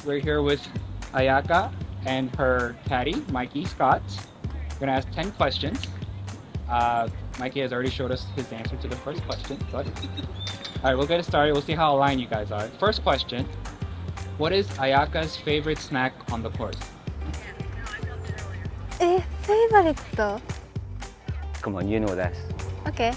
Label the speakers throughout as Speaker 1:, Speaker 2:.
Speaker 1: we're here with Ayaka and her caddy, Mikey Scott. We're gonna ask 10 questions. Mikey has already showed us his answer to the first question. But all right, we'll get it started. We'll see how aligned you guys are. First question: what is Ayaka's favorite snack on the course?
Speaker 2: Favorite?
Speaker 3: Come on, you know this.
Speaker 2: Okay.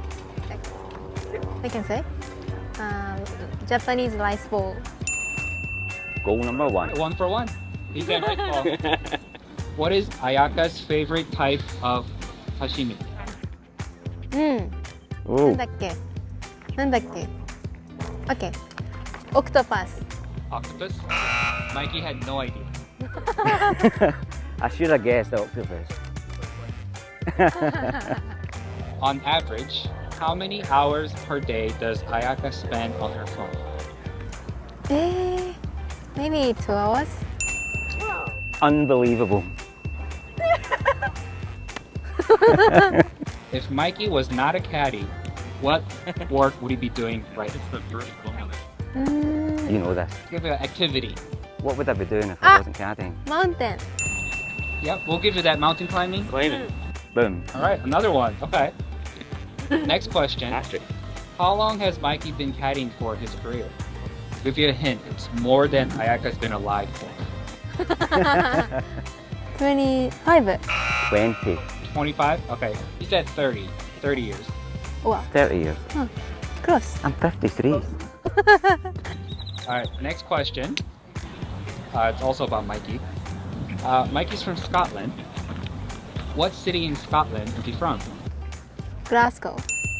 Speaker 2: I can say. Japanese rice bowl.
Speaker 3: Goal number one.
Speaker 1: One for one. He said right. Paul. What is Ayaka's favorite type of sashimi?
Speaker 2: な
Speaker 3: Oh,
Speaker 2: んだっけなんだっけ ?OK。オクトパス。
Speaker 1: Octopus? Mikey had no idea.
Speaker 3: I should have guessed octopus.
Speaker 1: On average, how many hours per day does Ayaka spend on her phone?
Speaker 2: Maybe 2 hours?
Speaker 3: Unbelievable.
Speaker 1: If Mikey was not a caddy, what work would he be doing right now?
Speaker 3: You know this.
Speaker 1: Give you an activity.
Speaker 3: What would I be doing if
Speaker 2: Ah.
Speaker 3: I wasn't caddying?
Speaker 2: Mountain.
Speaker 1: Yep, we'll give you that mountain climbing.
Speaker 3: Climbing. Boom.
Speaker 1: All right, another one. Okay. Next question.
Speaker 3: Patrick.
Speaker 1: How long has Mikey been caddying for his career? Give you a hint. It's more than Ayaka's been alive for.
Speaker 2: 25.
Speaker 3: 20.
Speaker 1: 25? Okay. He said 30. 30 years.
Speaker 2: Wow.
Speaker 3: 30 years.
Speaker 2: Close.
Speaker 3: I'm 53.
Speaker 1: All right, next question. It's also about Mikey. Mikey's from Scotland. What city in Scotland is he from?
Speaker 2: Glasgow.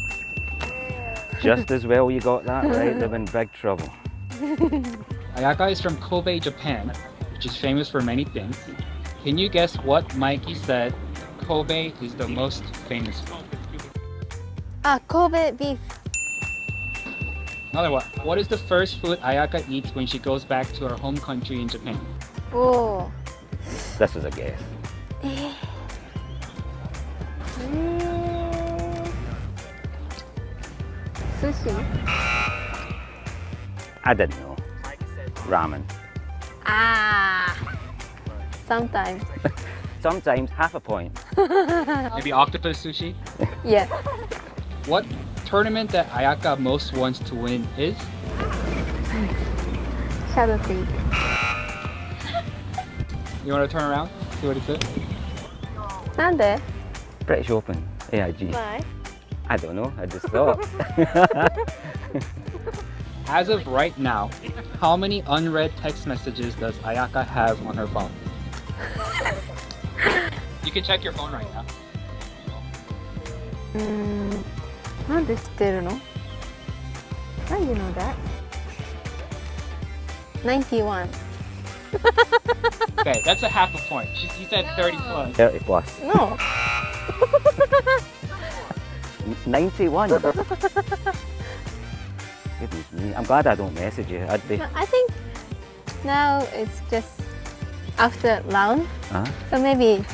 Speaker 3: Just as well you got that right. They're in big trouble.
Speaker 1: Ayaka is from Kobe, Japan, which is famous for many things. Can you guess what Mikey said Kobe is the most famous for?
Speaker 2: Kobe beef.
Speaker 1: Another one. What is the first food Ayaka eats when she goes back to her home country in Japan?
Speaker 2: Oh.
Speaker 3: This was a guess.
Speaker 2: Sushi.
Speaker 3: I didn't know. Ramen.
Speaker 2: Sometimes.
Speaker 3: Sometimes half a point.
Speaker 1: Maybe octopus sushi?
Speaker 2: Yeah.
Speaker 1: What tournament that Ayaka most wants to win is?
Speaker 2: Shadow Creek.
Speaker 1: You want to turn around? See what it says?
Speaker 2: なんで
Speaker 3: British Open. AIG.
Speaker 2: Why?
Speaker 3: I don't know. I just thought.
Speaker 1: As of right now, how many unread text messages does Ayaka have on her phone? You can check your phone right now.
Speaker 2: なんで知ってるの How do you know that? 91.
Speaker 1: Okay, that's a half a point. He said 30 plus.
Speaker 3: 30 plus.
Speaker 2: No.
Speaker 3: 91. Goodness me. I'm glad I don't message you. I'd be.
Speaker 2: No, I think now it's just after round.
Speaker 3: Huh?
Speaker 2: So maybe.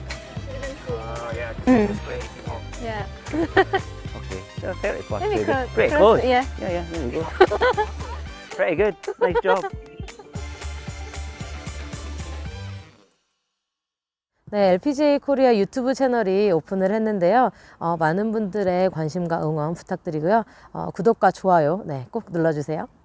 Speaker 2: Yeah.
Speaker 3: Okay. So 30 plus.
Speaker 2: Maybe
Speaker 3: maybe.
Speaker 2: close.
Speaker 3: Pretty close.
Speaker 2: Yeah.
Speaker 3: Yeah, there we go. Pretty good. Nice job.
Speaker 4: 네, LPGA 코리아 유튜브 채널이 오픈을 했는데요. 많은 분들의 관심과 응원 부탁드리고요. 구독과 좋아요 꼭 눌러주세요.